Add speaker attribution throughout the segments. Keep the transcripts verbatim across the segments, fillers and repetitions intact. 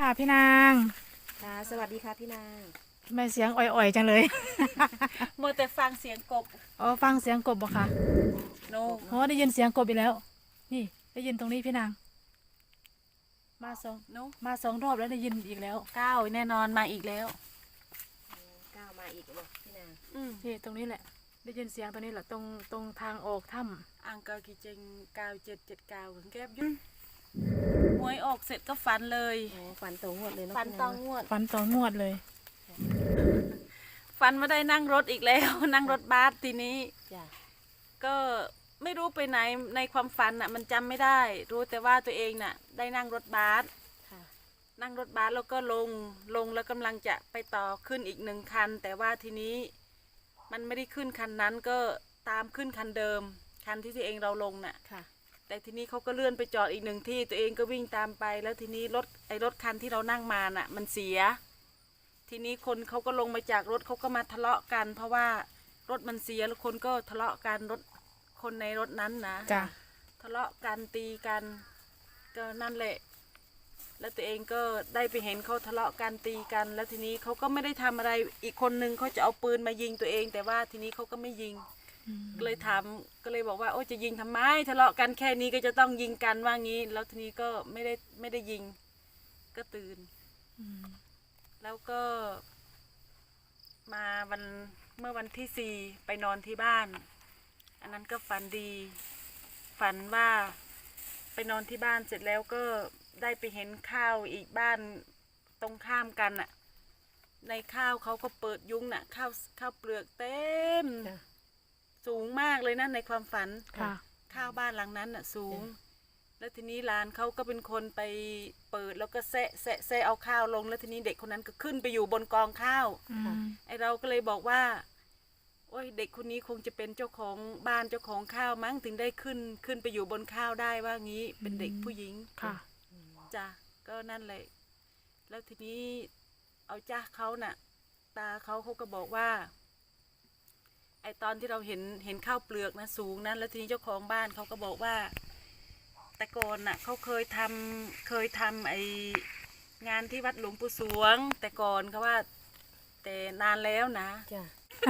Speaker 1: ค่ะพี่นาง
Speaker 2: ค่ะสวัสดีค่ะพี่นาง
Speaker 1: ทำไมเสียงอ่อยๆจังเลย
Speaker 3: โมแต่ฟังเสียงกบ
Speaker 1: อ๋อฟังเสียงกบบ่ค่ะ
Speaker 3: โน
Speaker 1: โอ้ได้ยินเสียงกบอีกแล้ว นี่ได้ยินตรงนี้พี่นางมาสอง
Speaker 3: โน
Speaker 1: มาสองรอบแล้วได้ยินอีกแล้ว
Speaker 3: ก้าวแน่นอนมาอีกแล้ว
Speaker 2: ก้าวมาอีกแล้วพี่นาง
Speaker 3: อืม
Speaker 1: นี่ตรงนี้แหละ ได้ยินเสียงตรงนี้แหละตรงตรงทางออกถ้
Speaker 3: อังเกากีเจงก้าวเจ็ดเจ็ดก้าวแก้บยุ่งหวยออกเสร็จก็ฝันเลย
Speaker 2: โอ้ฝันตรงงวดเลยเนาะ
Speaker 3: ฝัน
Speaker 2: พี่
Speaker 3: ตองงวด
Speaker 1: ำฟันต่องวดเลย
Speaker 3: ฝันมาได้นั่งรถอีกแล้ว นั่งรถบัสทีนี้
Speaker 2: จ้ะ
Speaker 3: ก็ไม่รู้ไปไหนในความฝันน่ะ มันจำไม่ได้ รู้แต่ว่าตัวเองน่ะ ได้นั่งรถบัส
Speaker 2: ค่ะ
Speaker 3: นั่งรถบัสแล้วก็ลงลงแล้วกำลังจะไปต่อขึ้นอีกหนึ่งคัน แต่ว่าทีนี้มันไม่ได้ขึ้นคันนั้นก็ตามขึ้นคันเดิม คันที่ตัวเองเราลงน่ะ
Speaker 2: ค่ะ
Speaker 3: แต่ทีนี้เขาก็เลื่อนไปจอดอีกหนึ่งที่ตัวเองก็วิ่งตามไป แล้วทีนี้รถไอ้รถคันที่เรานั่งมาน่ะ มันเสีย ทีนี้คนเขาก็ลงมาจากรถเขาก็มาทะเลาะกัน เพราะว่ารถมันเสียแล้วคนก็ทะเลาะกันรถคนในรถนั้นนะ
Speaker 1: จ้ะ
Speaker 3: ทะเลาะกันตีกันก็นั่นแหละ แล้วตัวเองก็ได้ไปเห็นเขาทะเลาะกันตีกัน แล้วทีนี้เขาก็ไม่ได้ทำอะไรอีกคนนึงเขาจะเอาปืนมายิงตัวเอง แต่ว่าทีนี้เขาก็ไม่ยิง ก็เลยถามก็เลยบอกว่าโอ้จะยิงทำไมทะเลาะกันแค่นี้ก็จะต้องยิงกันว่างี้ แล้วทีนี้ก็ไม่ได้ไม่ได้ยิง ก็ตื่น
Speaker 1: อืม
Speaker 3: แล้วก็มาวันเมื่อวันที่สี่ไปนอนที่บ้าน อันนั้นก็ฝันดี ฝันว่าไปนอนที่บ้านเสร็จแล้วก็ได้ไปเห็นข้าวอีกบ้านตรงข้ามกันน่ะ ในข้าวเขาก็เปิดยุ้งน่ะข้าวข้าวเปลือกเต็ม
Speaker 2: จ้ะ
Speaker 3: สูงมากเลยนะในความฝัน
Speaker 1: ค่ะ
Speaker 3: ข้าวบ้านหลังนั้นน่ะสูง แล้วทีนี้หลานเขาก็เป็นคนไปเปิดแล้วก็แซะแซะแซะเอาข้าวลง แล้วทีนี้เด็กคนนั้นก็ขึ้นไปอยู่บนกองข้าว
Speaker 1: อืม
Speaker 3: ไอเราก็เลยบอกว่า โอ้ยเด็กคนนี้คงจะเป็นเจ้าของบ้านเจ้าของข้าวมั้งถึงได้ขึ้นขึ้นไปอยู่บนข้าวได้ว่างี้ เป็นเด็กผู้หญิง
Speaker 1: ค่ะ
Speaker 3: จ้ะก็นั่นแหละ แล้วทีนี้เอาจ้าเขาน่ะ ตาเขาเขาก็บอกว่า ไอตอนที่เราเห็นเห็นข้าวเปลือกนะสูงนั้นแล้วทีนี้เจ้าของบ้านเขาก็บอกว่า แต่ก่อนน่ะเขาเคยทำเคยทำไองานที่วัดหลวงปู่สวง แต่ก่อนเขาว่า แต่นานแล้วนะ
Speaker 2: จ้ะ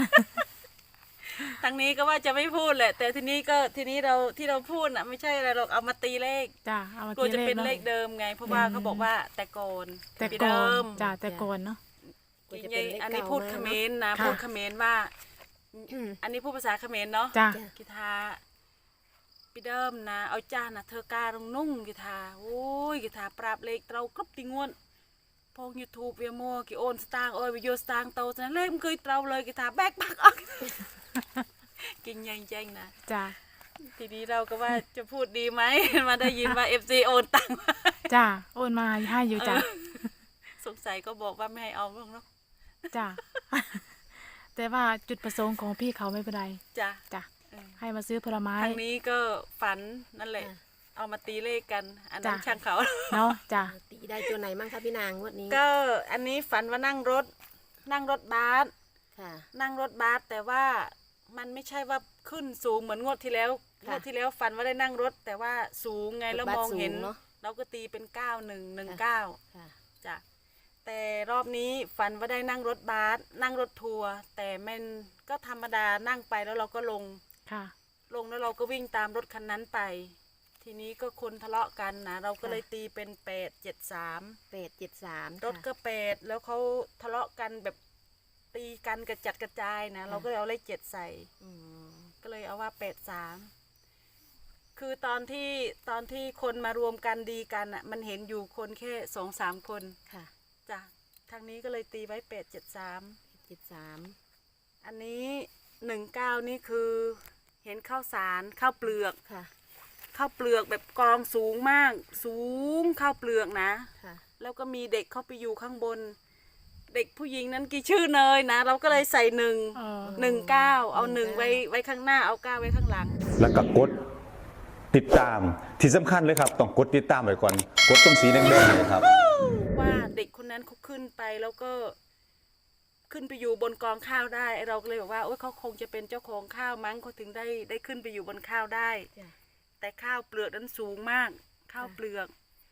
Speaker 3: ทางนี้ก็ว่าจะไม่พูดแหละ แต่ทีนี้ก็ทีนี้เราที่เราพูดน่ะ ไม่ใช่อะไรหรอกเอามาตีเลข
Speaker 1: จ้ะเอามาก
Speaker 3: ลัวจะเป็น
Speaker 1: นา
Speaker 3: เลขเดิมไง เพราะว่า
Speaker 1: อืม
Speaker 3: เขาบอกว่าแต่ก่อน
Speaker 1: แต่
Speaker 3: ปี
Speaker 1: ก่อ
Speaker 3: เดิ
Speaker 1: น
Speaker 3: ม
Speaker 1: จ้ะแต่ก่อนเนาะ
Speaker 2: กลัว
Speaker 3: จริ
Speaker 2: จะ
Speaker 3: ง
Speaker 2: เป็นเลข
Speaker 3: ๆอันนี้
Speaker 2: เก่า
Speaker 3: พูด
Speaker 2: มา
Speaker 3: เข
Speaker 2: ก
Speaker 3: ม
Speaker 2: เนาะ
Speaker 3: รนะ
Speaker 1: ค่ะ
Speaker 3: พูดเขมรว่า
Speaker 2: อืม
Speaker 3: อันนี้พูดภาษาเขมรเนาะ
Speaker 1: จ้ะ
Speaker 3: กีทาปีเดิมนะเอาจ้านะเธอกาลงนุ่งกีทาโอ้ยกีทาปราบเลขเรากรุบติงวนพงยูทูบเวียมัวกีโอนสตางค์โอ้ยวิโยสตางค์โตฉะนั้นเลขมันเคยเราเลยกีทาแบกบักออก กินยังแจ้งนะ
Speaker 1: จ้ะ
Speaker 3: ทีนี้เราก็ว่าจะพูดดีไหม มาได้ยินว่าเอฟซีโอนตังค์มา
Speaker 1: จ้ะโอนมาให้อยู่จ้ะ
Speaker 3: สงสัยก็บอกว่าไม่ให้เอาหรอกเนาะ
Speaker 1: จ้ะ แต่ว่าจุดประสงค์ของพี่เขาไม่เป็นไร
Speaker 3: จ้ะ
Speaker 1: จ้ะ
Speaker 3: เออ
Speaker 1: ให้มาซื้อผลไม้
Speaker 3: ทางนี้ก็ฝันนั่นแหละ
Speaker 2: อ่ะ
Speaker 3: เอามาตีเลขกัน อันนั้น
Speaker 1: จ้ะ
Speaker 3: ช่างเขา
Speaker 1: เนาะจ้ะ
Speaker 2: ตีได้ตัวไหนมั่งคะพี่นางงวดนี้
Speaker 3: ก็อันนี้ฝันว่านั่งรถ นั่งรถบัส
Speaker 2: ค่ะ
Speaker 3: นั่งรถบัสแต่ว่ามันไม่ใช่ว่าขึ้นสูงเหมือนงวดที่แล้วง
Speaker 2: ค่ะ
Speaker 3: วดที่แล้วฝันว่าได้นั่งรถ แต่ว่าสูงไง
Speaker 2: รถ
Speaker 3: แล้ว
Speaker 2: บัส
Speaker 3: มองเห็น
Speaker 2: สูงเนอะ
Speaker 3: เราก็ตีเป็นเก้าหนึ่งหนึ่งเก้า
Speaker 2: ค่ะ
Speaker 3: จ้ะแต่รอบนี้ฝันว่าได้นั่งรถบัสนั่งรถทัวร์แต่มันก็ธรรมดานั่งไปแล้วเราก็ลง
Speaker 1: ค่ะ
Speaker 3: ลงแล้วเราก็วิ่งตามรถคันนั้นไป ทีนี้ก็คนทะเลาะกันนะเราก็เลยตีเป็นแปดเจ็ดสาม
Speaker 2: แปดเจ็ดสาม
Speaker 3: รถก็แปดแล้วเขาทะเลาะกันแบบตีกันกระจัดกระจายนะเราก็เลยเอาเลขเจ็ดใส่
Speaker 2: อืม
Speaker 3: ก็เลยเอาว่าแปดสามคือตอนที่ตอนที่คนมารวมกันดีกันอ่ะ มันเห็นอยู่คนแค่สองสามคน
Speaker 2: ค่ะ
Speaker 3: จ้ะทางนี้ก็เลยตีไว้แปดเจ็ดสาม
Speaker 2: เจ็ดสาม
Speaker 3: อันนี้หนึ่งเก้านี่คือเห็นข้าวสารข้าวเปลือก
Speaker 2: ค่ะ
Speaker 3: ข้าวเปลือกแบบกองสูงมาก สูงข้าวเปลือกนะ
Speaker 2: ค่ะ
Speaker 3: แล้วก็มีเด็กเข้าไปอยู่ข้างบน เด็กผู้หญิงนั้นกี่ชื่อเนยนะ เราก็เลยใส่หนึ่ง
Speaker 1: เออ
Speaker 3: หนึ่งเก้าเอาหนึ่งไว้ไว้ข้างหน้าเอาเก้าไว้ข้างหลัง
Speaker 4: แล้วก็กดติดตามที่สำคัญเลยครับ ต้องกดติดตามไว้ก่อน กดตรงสีแดงๆเลยครับ
Speaker 3: ว่าเด็กคนนั้นเขาขึ้นไปแล้วก็ขึ้นไปอยู่บนกองข้าวได้ไอ้เราก็เลยบอกว่าโอ๊ยเขาคงจะเป็นเจ้าของข้าวมั้งเขาถึงได้ได้ขึ้นไปอยู่บนข้าวได้
Speaker 2: จ้ะ
Speaker 3: แต่ข้าวเปลือกนั้นสูงมาก ข้าวเปลือก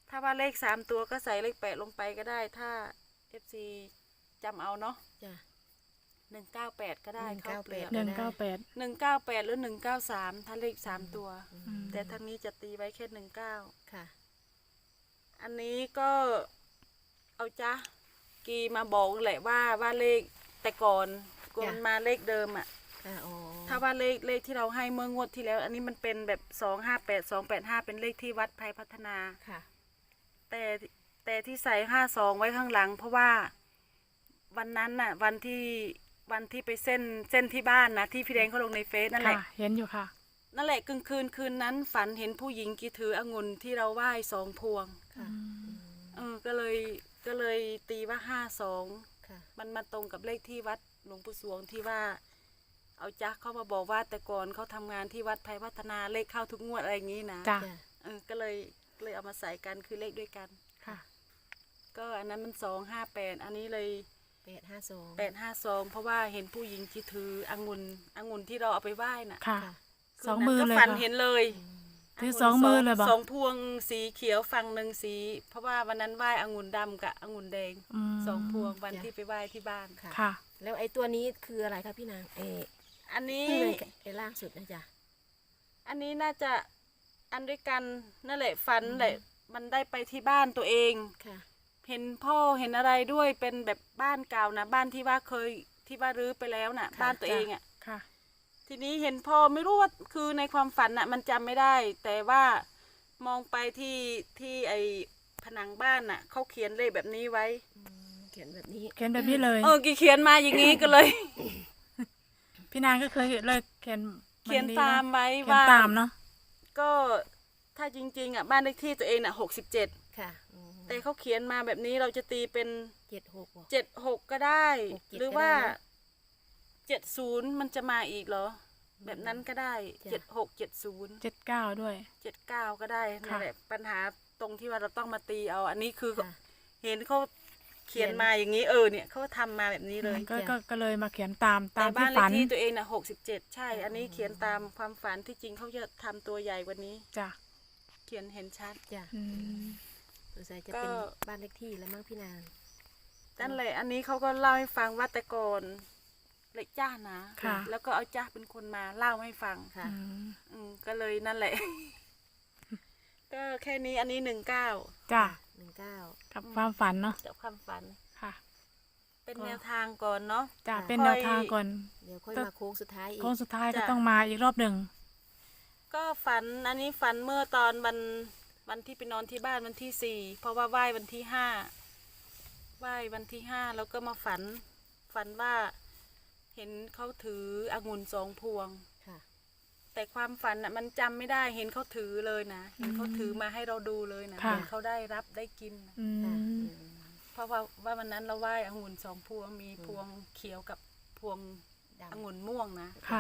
Speaker 3: ถ้าว่าเลขสามตัวก็ใส่เลขแปดลงไปก็ได้ ถ้าเอฟซีจำเอาเนาะ
Speaker 2: จ้ะ
Speaker 3: หนึ่งเก้าแปดก็ได้ข้าวเปลือก
Speaker 1: หนึ่งเก้าแปด
Speaker 3: หนึ่งเก้าแปดหรือหนึ่งเก้าสามถ้าเลขสามตัว
Speaker 1: อืม
Speaker 3: แต่ทางนี้จะตีไว้แค่หนึ่งเก้า
Speaker 2: ค่ะ
Speaker 3: อันนี้ก็เอาจ้ะกีมาบอกแหละว่าว่าเลขแต่ก่อนกวนมาเลขเดิมอ่ะ
Speaker 2: ค่ะอ๋อ
Speaker 3: ถ้าว่าเลขเลขที่เราให้เมื่องวดที่แล้ว อันนี้มันเป็นแบบสองห้าแปดสองแปดห้าเป็นเลขที่วัดภัยพัฒนา
Speaker 2: ค่ะ
Speaker 3: แต่แต่ที่ใส่ห้าสองไว้ข้างหลัง เพราะว่าวันนั้นน่ะ วันที่วันที่ไปเส้นเส้นที่บ้านนะที่พี่แดงเขาลงในเฟซนั่นแห
Speaker 1: ค่ะ
Speaker 3: ละ
Speaker 1: เห็นอยู่ค่ะ
Speaker 3: นั่นแหละกลางคืนคืนนั้นฝันเห็นผู้หญิงกีถือองุ่นที่เราไหว้สองพวง
Speaker 2: ค่ะ
Speaker 3: เออก็เลยก็เลยตีว่าห้าสอง
Speaker 2: ค่ะ
Speaker 3: มันมาตรงกับเลขที่วัดหลวงปู่สวงที่ว่า เอาจักเข้ามาบอกว่าแต่ก่อนเขาทำงานที่วัดภัยพัฒนาเลขเข้าทุกงวดอะไรอย่างนี้นะ
Speaker 1: จ้ะ
Speaker 2: จ้ะ
Speaker 3: เออก็เลยก็เลยเอามาใส่กันคือเลขด้วยกัน
Speaker 1: ค่ะ
Speaker 3: ก็อันนั้นมันสองห้าแปดอันนี้เลย
Speaker 2: แปดห้าสอง
Speaker 3: แปดห้าสองเพราะว่าเห็นผู้หญิงที่ถือองุ่นองุ่นที่เราเอาไปไหว้น่ะ
Speaker 1: ค่ะ
Speaker 2: ค่ะ
Speaker 1: สองมือเลย
Speaker 3: ก็ฝัน
Speaker 1: ค่ะ
Speaker 3: เห็นเลย
Speaker 1: ถือสองมือเลยบอก
Speaker 3: สองพวงสีเขียวฝั่งหนึ่งสี เพราะว่าวันนั้นไหว้องุ่นดำกับองุ่นแดง
Speaker 1: ม
Speaker 3: สองพวงวันที่ไปไหว้ที่บ้าน
Speaker 2: ค่ะ
Speaker 1: ค่ะ
Speaker 2: แล้วไอ้ตัวนี้คืออะไรคะพี่นางเออ
Speaker 3: อันนี้
Speaker 2: ไอ้ล่างสุดนะจ๊ะ
Speaker 3: อันนี้น่าจะอันด้วยกันนั่นแหละฝันแหละมันได้ไปที่บ้านตัวเอง
Speaker 2: ค่ะ
Speaker 3: เห็นพ่อเห็นอะไรด้วยเป็นแบบบ้านเก่านะบ้านที่ว่าเคยที่ว่ารื้อไปแล้วน่ะ
Speaker 2: ค่ะ
Speaker 3: บ้านตัวเองอ่ะ
Speaker 1: ค่ะ
Speaker 3: ทีนี้เห็นพ่อไม่รู้ว่าคือในความฝันน่ะ มันจำไม่ได้ แต่ว่ามองไปที่ที่ไอผนังบ้านน่ะเขาเขียนเลขแบบนี้ไว้
Speaker 2: อืมเขียนแบบนี้
Speaker 1: เขียนแบบนี้เลย
Speaker 3: เออกี่เขียนมาอย่างนี้ก็เลย
Speaker 1: พี่นางก็เคยเลยเขียน
Speaker 3: เขียน
Speaker 1: แบบ
Speaker 3: ตาม
Speaker 1: เนอะ
Speaker 3: ไว้
Speaker 1: เขียน
Speaker 3: ว่า
Speaker 1: ตามเนาะ
Speaker 3: ก็ถ้าจริงๆอ่ะบ้านเลขที่ตัวเองน่ะหกสิบเจ็ด
Speaker 2: ค่ะอืม
Speaker 3: แต่เขาเขียนมาแบบนี้เราจะตีเป็น
Speaker 2: เจ็ดหกบ่
Speaker 3: เจ็ดหกก็ได้
Speaker 2: หกเจ็ด
Speaker 3: หรือ
Speaker 2: ก็ได้
Speaker 3: ว่า
Speaker 2: นะ
Speaker 3: เจ็ดศูนย์มันจะมาอีกเหรอ แบบนั้นก็ได้
Speaker 2: จ้ะ
Speaker 3: เจ็ดหกเจ็ดศูนย์
Speaker 1: เจ็ดเก้าด้วย
Speaker 3: เจ็ดเก้าก็ได้นั่
Speaker 1: ค่ะ
Speaker 3: นแหละปัญหาตรงที่ว่าเราต้องมาตีเอา อันนี้คือ
Speaker 2: ค่ะ
Speaker 3: เห็นเขาเขียนมาอย่างนี้เออเนี่ยเขาทำมาแบบนี้เลย
Speaker 1: ก็
Speaker 2: จ้ะ
Speaker 1: ก็ก็เลยมาเขียนตามตา
Speaker 3: แต่
Speaker 1: ม
Speaker 3: บ้า
Speaker 1: ที่
Speaker 3: นเล
Speaker 1: ฝั
Speaker 3: ข
Speaker 1: น
Speaker 3: ที่ตัวเองน่ะหกสิบเจ็ดใช่ อันนี้เขียนตามความฝันที่จริงเขาจะทำตัวใหญ่กว่านี้
Speaker 1: จ้ะ
Speaker 3: เขียนเห็นชัด
Speaker 2: จ้ะ
Speaker 1: อืม
Speaker 2: สงสัยจะ
Speaker 3: ก็
Speaker 2: เป็นบ้านเลขที่แล้วมั้งพี่นาง
Speaker 3: นั่นแหละอันนี้เขาก็เล่าให้ฟังว่าแต่ก่อนเล็กจ้านะ
Speaker 1: ค่ะ
Speaker 3: แล้วก็เอาจ้าเป็นคนมาเล่าให้ฟัง
Speaker 2: ค่ะ
Speaker 1: อืม
Speaker 3: อืมก็เลยนั่นแหละ ก็แค่นี้อันนี้หนึ่งเก้า
Speaker 1: จ้ะ
Speaker 2: หนึ่งเก้า
Speaker 1: กับความฝันเนาะ
Speaker 3: จากความฝัน
Speaker 1: ค่ะ
Speaker 3: เป็น
Speaker 1: ก็
Speaker 3: แนวทางก่อนเนาะ
Speaker 1: จ้ะ
Speaker 2: ค่ะ
Speaker 1: เป็นแนวทางก่อน
Speaker 2: เดี๋ยวค่อย
Speaker 1: ก็
Speaker 2: มาโค้งสุดท้ายอีก
Speaker 1: โค้งสุดท้ายก็
Speaker 3: จ้ะ
Speaker 1: ต้องมาอีกรอบหนึ่ง
Speaker 3: ก็ฝันอันนี้ฝันเมื่อตอนวันวันที่ไปนอนที่บ้านวันที่สี่เพราะว่าไหว้วันที่ห้าไหว้วันที่ห้าแล้วก็มาฝัน ฝันว่า เห็นเขาถือองุ่นสองพวง
Speaker 2: ค่ะ
Speaker 3: แต่ความฝันน่ะมันจำไม่ได้เห็นเขาถือเลยนะเห็นเขาถือมาให้เราดูเลยนะ
Speaker 1: ค่ะ
Speaker 3: เห็นเขาได้รับได้กินนะ
Speaker 1: อื
Speaker 2: ค่ะ
Speaker 1: ม
Speaker 2: อืม
Speaker 3: เพราะว่าว่าวันนั้นเราไหว้องุ่นสองพวงมีพวงเขียวกับพวง
Speaker 2: ดำ
Speaker 3: องุ่นม่วงนะ
Speaker 1: ค่ะ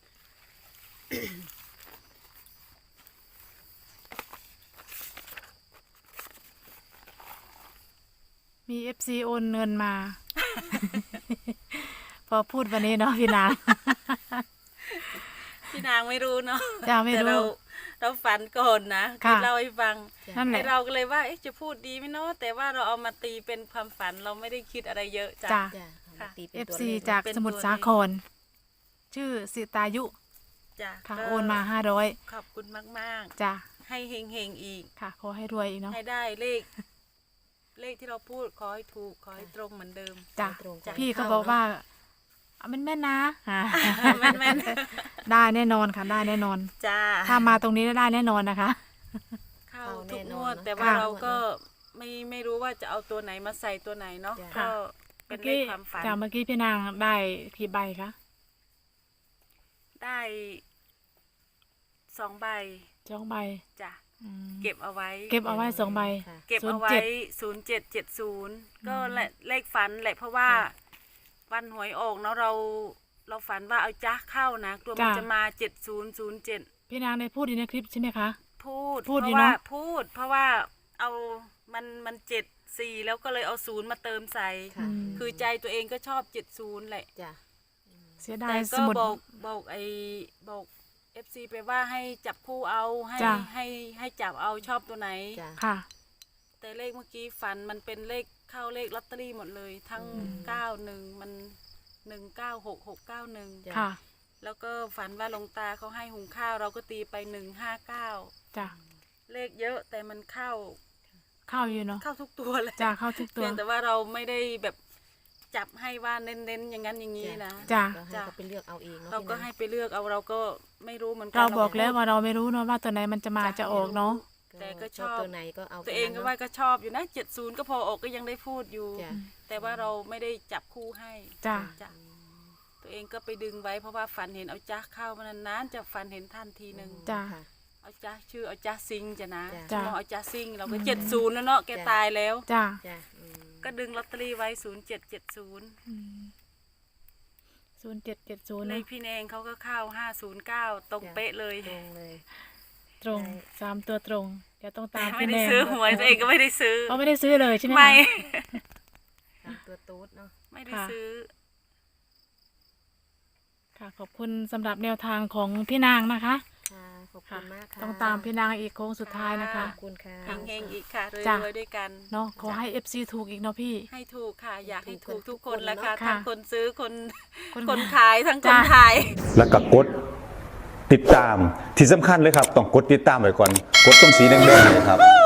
Speaker 1: มีเอฟซีโอนเงินมา พอพูดวันนี้เนาะพี่นาง
Speaker 3: พี่นางไม่รู้เนาะ
Speaker 1: จ้าไม่
Speaker 3: แต่
Speaker 1: รู้
Speaker 3: เราเราฝันก่อนนะ
Speaker 1: ค่ะ
Speaker 3: เล่าให้ฟัง
Speaker 1: นั่นแห
Speaker 3: ไอ
Speaker 1: ละ
Speaker 3: เราก็เลยว่าเอ๊ะจะพูดดีไหมเนาะแต่ว่าเราเอามาตีเป็นความฝันเราไม่ได้คิดอะไรเยอะจ้ะ
Speaker 1: จ้ะ
Speaker 2: จ้ะเอามา
Speaker 3: ค่ะ
Speaker 2: ตีเป็น
Speaker 1: เอฟ
Speaker 2: ตัว
Speaker 1: ซี
Speaker 2: เลข
Speaker 1: จาก
Speaker 3: เป็น
Speaker 1: สมุทร
Speaker 3: ตัว
Speaker 1: สา
Speaker 3: เลข
Speaker 1: คร ชื่อสิตายุ
Speaker 3: จ้ะ
Speaker 1: ค่ะ
Speaker 3: ก็
Speaker 1: โอนมาห้าร้อย
Speaker 3: ขอบคุณมาก
Speaker 1: จ้ะ
Speaker 3: ๆ ให้เฮงๆอีก
Speaker 1: ค่ะ ขอให้รวยอีกเนาะ
Speaker 3: ให้ได้เลข เลขที่เราพูดขอให้ถูกขอให้ตรงเหมือนเดิม
Speaker 1: จ้ะ
Speaker 2: ตรงบ
Speaker 1: พี่เขา
Speaker 2: ข้
Speaker 1: บอกว่า
Speaker 2: เนะ
Speaker 1: เอาแม่นๆนะอ่า
Speaker 3: แม่นแม่น
Speaker 1: ได้แน่นอนค่ะ ได้แน่นอน
Speaker 3: จ้า
Speaker 1: ถ้ามาตรงนี้ได้แน่นอนนะคะ
Speaker 3: เข้า
Speaker 2: เข้า
Speaker 3: ทุก
Speaker 2: แน่น
Speaker 3: ง
Speaker 2: อน
Speaker 3: วด
Speaker 2: เนอะ
Speaker 3: แต่ว่า
Speaker 1: ค่ะ
Speaker 3: เราก็ไม่ไม่รู้ว่าจะเอาตัวไหนมาใส่ตัวไหนเนาะ
Speaker 2: จ้ะ
Speaker 3: ก็เป็
Speaker 1: เมื่
Speaker 3: น
Speaker 1: อ
Speaker 3: เล
Speaker 1: กี้
Speaker 3: ขความฝัน
Speaker 1: จากเมื่อกี้พี่นางได้กี่ใบคะ
Speaker 3: ได้สองใบ
Speaker 1: สองใบ
Speaker 3: จ้ะ
Speaker 1: อืม
Speaker 3: เก็บเอาไว้
Speaker 1: เก็บเอาไว้สองใบ
Speaker 2: ค่ะ
Speaker 3: เก็บเอาไว้ศูนย์เจ็ดเจ็ดศูนย์ก็แหละเลขฝันแหละเพราะว่า วันหวยออกเนาะเราเราฝันว่าเอาจ้าเข้านะกลัวมัน
Speaker 1: จ้ะ
Speaker 3: จะมาเจ็ดศูนย์ศูนย์เจ็ด
Speaker 1: พี่นางได้พูดอยู่ในคลิปใช่ไหมคะ
Speaker 3: พูด
Speaker 1: พูด
Speaker 3: เพ
Speaker 1: อยู่
Speaker 3: ราะว่า
Speaker 1: เนอะ
Speaker 3: พูด เพราะว่าเอามันมันเจ็ดสี่แล้วก็เลยเอาศูนย์มาเติมใส่
Speaker 2: ค่ะ
Speaker 1: อืม
Speaker 3: คือใจตัวเองก็ชอบเจ็ดศูนย์แหละ
Speaker 2: จ้ะ
Speaker 1: เสียดา
Speaker 3: แต่
Speaker 1: ยส
Speaker 3: ก็
Speaker 1: มุด
Speaker 3: บอกบอกไอ้บอกเอฟซีไปว่าให้จับคู่เอาให้
Speaker 1: จ้ะ
Speaker 3: ให้ให้จับเอาชอบตัวไหน
Speaker 2: จ้ะ
Speaker 1: ค่ะ
Speaker 3: แต่เลขเมื่อกี้ฝันมันเป็นเลขเข้าเลขลอตเตอรี่หมดเลย ทั้งเก้าหนึ่งมันหนึ่งเก้าหกหกเก้าหนึ่ง
Speaker 1: ค่ะ
Speaker 3: แล้วก็ฝันว่าหลวงตาเขาให้หุงข้าวเราก็ตีไปหนึ่งห้าเก้า
Speaker 1: จ้ะ
Speaker 3: เลขเยอะแต่มันเข้า
Speaker 1: เข้าอยู่เนาะ
Speaker 3: เข้าทุกตัวเลย
Speaker 1: จ้ะเข้าทุกตัว
Speaker 3: เพียงแต่ว่าเราไม่ได้แบบจับให้ว่าเน้นๆอย่างนั้นอย่างนี้นะ
Speaker 1: จ้ะ
Speaker 2: ก็ให้เขาไปเลือกเอาเองเนาะ
Speaker 3: เราก็
Speaker 2: พี่นง
Speaker 3: ให้ไปเลือกเอาเราก็ไม่รู้เหมือนกั
Speaker 1: เราบอกแล้วว่าเราไม่รู้เนาะว่าตัวไหนมันจะมาจะออกเนาะ
Speaker 3: แต่ก็ชอบ
Speaker 2: ตัวไหนก็เอา
Speaker 3: ตัวเองก็ว่าก็ชอบอยู่นะเจ็ดศูนย์ก็พอออกก็ยังได้พูดอยู่
Speaker 2: จ้ะ
Speaker 3: แต่ว่าเราไม่ได้จับคู่ให้
Speaker 1: จ้ะ
Speaker 3: จ้ะตัวเองก็ไปดึงไว้เพราะว่าฝันเห็นเอาจ้าเข้ามานานๆจะฝันเห็นท่านทีหนึ่ง
Speaker 1: จ้ะ
Speaker 2: ค่ะ
Speaker 3: เอาจ้าชื่อเอาจ้าซิงจ้ะนะ
Speaker 2: จ้ะ
Speaker 3: มองเอาจ้าซิงเราก็เจ็ดศูนย์แล้วเนาะแกตายแล้ว
Speaker 1: จ้ะ
Speaker 2: จ้ะอืม
Speaker 3: ก็ดึงลอตเตอรี่ไว้ศูนย์เจ็ดเจ็ดศูนย์
Speaker 1: ศูนย์เจ็ดเจ็ดศูนย์
Speaker 3: เลขพี่แนงเขาก็เข้าห้าศูนย์เก้าตรงเป๊ะเลย
Speaker 2: ตรงเลย
Speaker 1: ตรงสามตัวตรงเดี๋ยวต้องตาม
Speaker 3: ไม่
Speaker 1: พี่
Speaker 3: ได้
Speaker 1: แนง
Speaker 3: ซื้อหวยตัวเองก็ไม่ได้ซื้อ
Speaker 1: เขาไม่ได้ซื้อเลยใช่ไหมคะ
Speaker 3: ไม่
Speaker 2: ตามตัวตูดเนาะ
Speaker 3: ไม่ได้
Speaker 1: ค่ะ
Speaker 3: ซื้อ
Speaker 1: ค่ะขอบคุณสำหรับแนวทางของพี่นางนะคะ
Speaker 2: ค่ะขอบคุ
Speaker 1: ค่ะ
Speaker 2: ณมากค่ะ
Speaker 1: ต้องตามพี่นางอีกโค้งสุดท้ายนะคะ
Speaker 2: ขอบคุณค่ะ
Speaker 3: เฮงๆอีกค่ะร
Speaker 1: จ้ะ
Speaker 3: วยๆด้วยกัน
Speaker 1: เนาะขอให้เอฟซีถูกอีกเนาะพี่
Speaker 3: ให้ถูกค่ะ อยากให้
Speaker 2: ถู
Speaker 3: ถู
Speaker 2: ก
Speaker 3: ก
Speaker 2: ทุ
Speaker 3: ทุ
Speaker 2: ก
Speaker 3: ก
Speaker 2: ค
Speaker 3: คน นละ
Speaker 2: เนอะ
Speaker 3: ค่ะ
Speaker 1: ค่ะ
Speaker 3: ทั้งคนซื้อคน
Speaker 1: คน
Speaker 3: คน
Speaker 1: ขาย
Speaker 3: ขายทั้งคน
Speaker 1: จ้ะ
Speaker 3: ขาย
Speaker 4: แล้วก็กดติดตามที่สำคัญเลยครับ ต้องกดติดตามไว้ก่อน กดตรงสีแดงๆเนยครับ